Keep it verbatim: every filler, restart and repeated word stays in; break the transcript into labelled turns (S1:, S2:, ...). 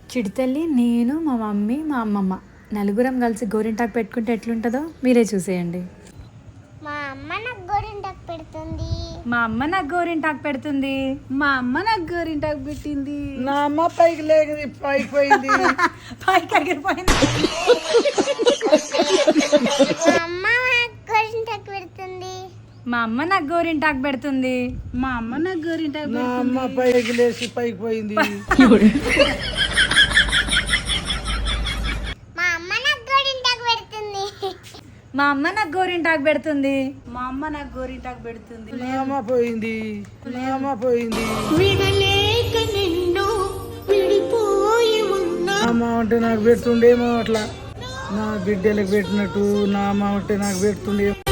S1: చిడితల్లి, నేను, మా మమ్మీ, మా అమ్మమ్మ నలుగురం కలిసి గోరింటాకు పెట్టుకుంటే ఎట్లుంటుందో మీరే చూసేయండి.
S2: మా అమ్మ నాకు గోరింటాకు పెడుతుంది.
S1: మా అమ్మ నాకు గోరింటాకు పెడుతుంది.
S3: మా అమ్మ నాకు గోరింటాకు పెట్టింది.
S4: నా అమ్మ పైకి లేక పైకి పోయింది.
S1: పైకి ఎగిరిపోయింది.
S2: మా అమ్మ నాకు గోరింటాకు పెడుతుంది.
S1: మా అమ్మ నాకు గోరింటాకు పెడుతుంది.
S3: మా అమ్మ నాకు గోరింటాకు
S4: నా అమ్మ పైకి లేచి పైకి పోయింది.
S2: మా అమ్మ నాకు గోరింటాకు పెడుతుంది.
S1: మా అమ్మ నాకు గోరింటాకు పెడుతుంది.
S3: మా అమ్మ నాకు గోరింటాకు పెడుతుంది.
S4: నా అమ్మ పోయింది. నా అమ్మ పోయింది.
S5: విడలేక నిన్ను విడిపోయి ఉన్నా
S4: అమ్మ అంటే నాకు పెడుతుండేమో అట్లా, నా బిడ్డలకు పెట్టినట్టు నా అమ్మ అంటే నాకు పెడుతుండే.